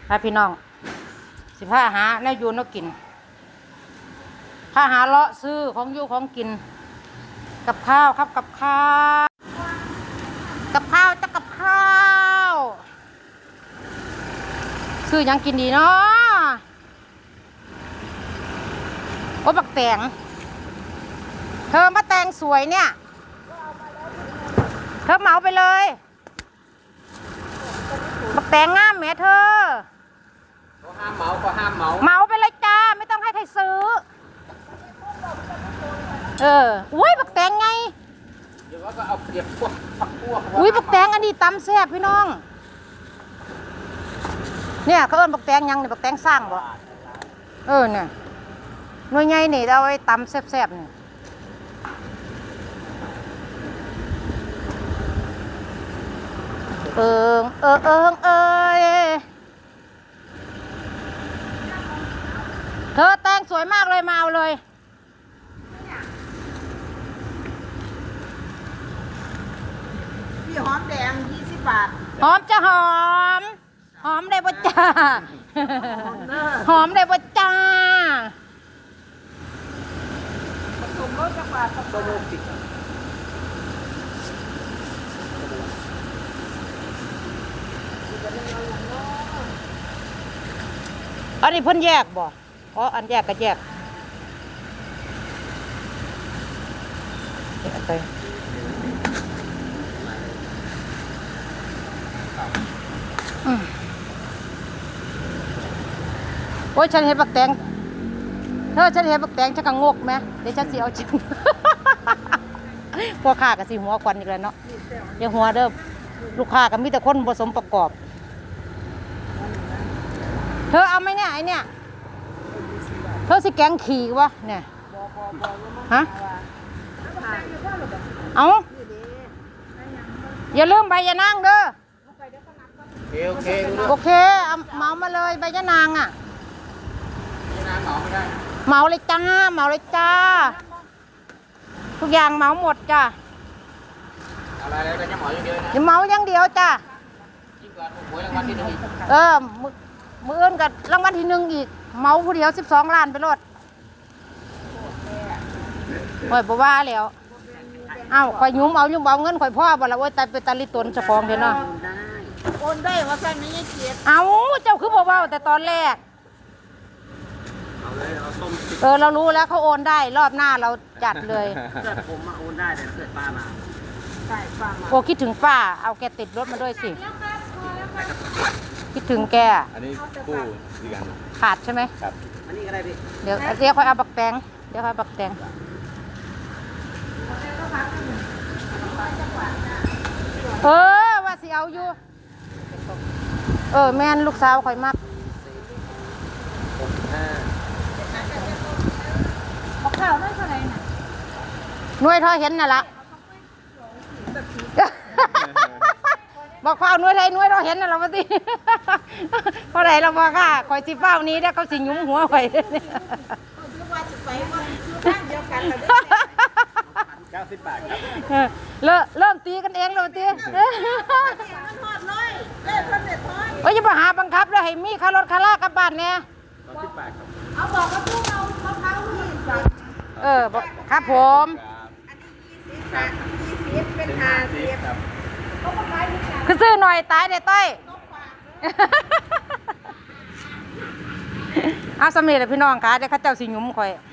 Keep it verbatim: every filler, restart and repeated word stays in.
พาพี่น้องสิพาหาแนวอยู่แนวกินพาหาเลาะซื้อของอยู่ของกินกับข้าวครับกับข้าวกับข้าวจะกับข้าวซื้อยังกินดีเนาะโอ้บักแตงเธอมาแต่งสวยเนี่ยเธอเหมาไปเลยบักแตงงามแม่เธอก็ห้ามเหมาก็ห้ามเหมาเหมาไปเลยจ้าไม่ต้องให้ใครซื้อเอออุ้ยบักแตงไงเดี๋ยวก็เอาเปรียบพวกผักพวกอุ้ยบักแตงอันนี้ตำแซ่บพี่น้องเนี่ยเขาเอิ้นบักแตงยังเนี่ยบักแตงสร้างบ่เออเนี่ยหน่วยใหญ่นี่เอาไว้ตำแซ่บๆนี่เอิงเออเอิงเอยเธอแต่งสวยมากเลยมาเอาเลยพี่หอมแดงยี่สิบบาทหอมจะหอมหอมได้บ่จ้าหอมได้บ่จ้าผสมรสจังหวัดกับตัวลูกติดอันนี้เพิ่นแยกบ่อ๋ออันแยกก็แยกแยกไปอืมโอ้ยฉันเห็นบักแตงเธอฉันเห็นบักแตงฉันก็งกไหมเดี๋ยวฉันสิเอาจริง พวกข้าก็สิหัวควันอีกแล้วเนาะอย่าหัวเด้อลูกค้าก็มีแต่คนผสมประกอบเธอเอาไหมเนี่ยไอเนี่ยเธอสิแกงขี่วะเนี่ยฮะเอาอย่าลืมใบยะนางเด้อโอเคโอเคโอเคเอาเหมามาเลยใบยะนางอ่ะน้ำเหมาไม่ได้เหมาเลยจ้าเหมาเลยจ้าทุกอย่างเหมาหมดจ้าอะไรอะไรก็จะเหมาอย่างเดียวนะอย่าเหมาอย่างเดียวจ้ายิ่งกว่าหวยรางวัลที่หนึ่งเออมือมืออื่นกับรางวัลที่หนึ่งอีกเหมาผู้เดียวสิบสองล้านไปรถข่อยบ่ว่าแล้วเอ้าข่อยยุ่มเอายุ่มเอาเงินข่อยพ่อบ่ละโอ้ยตายไปตาลิตนเจ้าของเห็นเนาะโอนได้ว่าแค่นี้ยังเกียรติเอาเจ้าคือบ่เว้าแต่ตอนแรกเอาเลยเอาต้มเออเรารู้แล้วเขาโอนได้รอบหน้าเราจัดเลยเกิดผมมาโอนได้แต่เกิดป้ามาใช่ฟังมาโอ้คิดถึงป้าเอาแกติดรถมาด้วยสิคิดถึงแกอันนี้คู่ดีกันขาดใช่ไหมครับอันนี้ก็ได้พี่เดี๋ยวเดี๋ยวค่อยเอาบักแตงเดี๋ยวค่อยบักแตงเออว่าสิเอาอยู่เออแม่นลูกสาวข่อยมักบอกข้าวได้เท่าไหร่น่ะหน่วยเธอเห็นน่ะละบอกข้าวหน่วยไทยหน่วยเราเห็นน่ะละว่าติเพราะไหนเราบอกค่ะข่อยสิเฝ้านี้แล้วเขาสิหยุ้มหัวข่อยเก้าสิบบาทครับเริ่มเริ่มตีกันเองแล้วตีโอ้ยอย่ามาหาบังคับเลยให้มีค่ารถค่าลากกลับบ้านเนี่ยสิบบาทครับเอาบอกว่าพวกเรามะพร้าวยี่สิบเออครับผมอันนี้ยี่สิบยี่สิบเป็นห้าสิบคือซื้อหน่อยตายเด็ดต้อยเอาสำเร็จแล้วพี่น้องค่ะเดี๋ยวข้าเจ้าสิหยุ้มข่อย